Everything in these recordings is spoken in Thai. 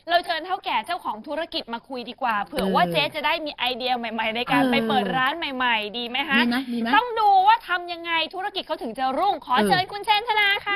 เราเชิญเท่าแก่เจ้าของธุรกิจมาคุยดีกว่าเผื่อว่าเจ๊จะได้มีไอเดียใหม่ๆในการไปเปิดร้านใหม่ๆดีไหมคะดีไหมต้องดูว่าทำยังไงธุรกิจเขาถึงจะรุ่งขอเชิญคุณเชนธนาค่ะ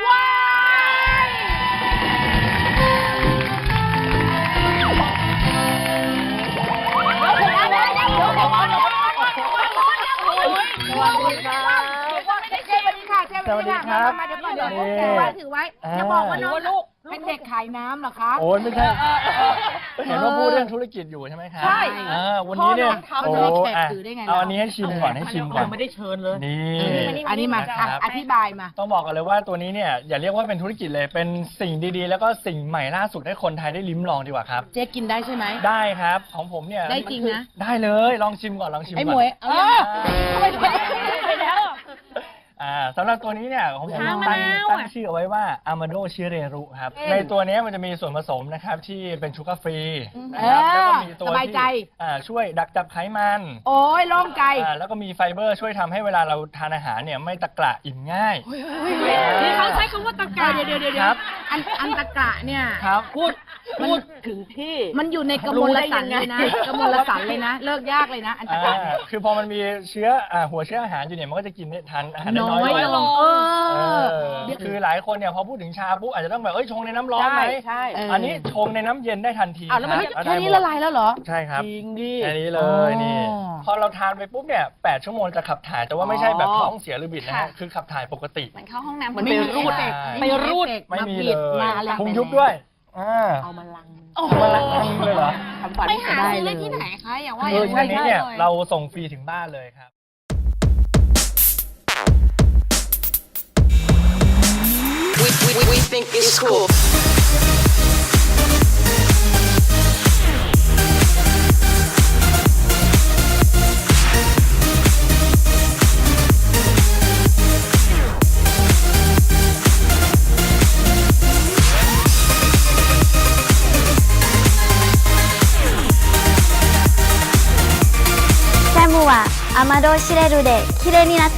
สวัสดีครับมาเดี๋ยวก่อนเดี๋ยวถือไว้จะบอกว่าน้องลูกเป็นเด็กขายน้ำเหรอคะโอ้ยไม่ใช่เห็นว่าพูดเรื่องธุรกิจอยู่ใช่ไหมครับใช่วันนี้เนี่ยโอ้เอาอันนี้ให้ชิมก่อนให้ชิมก่อนไม่ได้เชิญเลยนี่อันนี้มาอธิบายมาต้องบอกกันเลยว่าตัวนี้เนี่ยอย่าเรียกว่าเป็นธุรกิจเลยเป็นสิ่งดีๆแล้วก็สิ่งใหม่ล่าสุดให้คนไทยได้ลิ้มลองดีกว่าครับเจ๊กินได้ใช่ไหมได้ครับของผมเนี่ยได้จริงนะได้เลยลองชิมก่อนลองชิมก่อนไอ้หมวยเอาไปแล้วสำหรับตัวนี้เนี่ยของผมตั้งชื่อเอาไว้ว่า Amado Shireru ครับในตัวนี้มันจะมีส่วนผสมนะครับที่เป็นชูการ์ฟรีนะครับแล้วก็มีตัวที่ช่วยดักจับไขมันโอ้ยโล่งใจแล้วก็มีไฟเบอร์ช่วยทำให้เวลาเราทานอาหารเนี่ยไม่ตะกระอิ่มง่ายที่เขาใช้คำว่าตะกระเดี๋ยวอันตะกระเนี่ยพูดถึงที่มันอยู่ในกระมวลสันเลยนะกระมวลสันเลยนะเลิกยากเลยนะอันตะกระคือพอมันมีเชื้อหัวเชื้ออาหารอยู่เนี่ยมันก็จะกินทานอาหารน้อยลงคือหลายคนเนี่ยพอพูดถึงชาปุ๊บอาจจะต้องแบบชงในน้ำร้อนไหมใช่อันนี้ชงในน้ำเย็นได้ทันทีแล้วมันแค่นี้ละลายแล้วเหรอใช่ครับจริงดิแค่นี้เลยนี่พอเราทานไปปุ๊บเนี่ย8 ชั่วโมงจะขับถ่ายแต่ว่าไม่ใช่แบบท้องเสียหรือบิดนะฮะคือขับถ่ายปกติมันเข้าห้องน้ำมันไปรูดไม่มีเลยพุงยุบด้วยเอามาลังเลยเหรอไปหาซื้อได้ที่ไหนคะอย่างว่าใช่เนี่ยเราส่งฟรีถึงบ้านเลยครับ We think it's cool. Samu wa Amado Shireru de kirei ni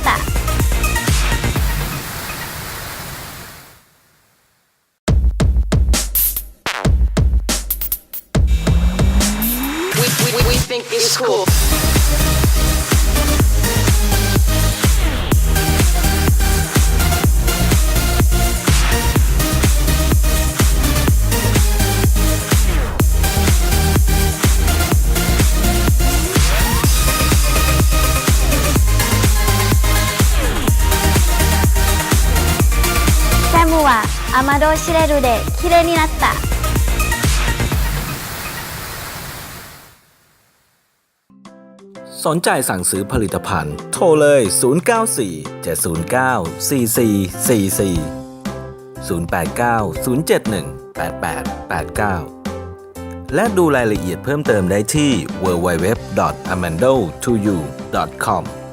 natta.Amado Shireru de kirei ni natta. สนใจสั่งซื้อผลิตภัณฑ์โทรเลย 094-709-4444 และดูรายละเอียดเพิ่มเติมได้ที่ www.amando2u.com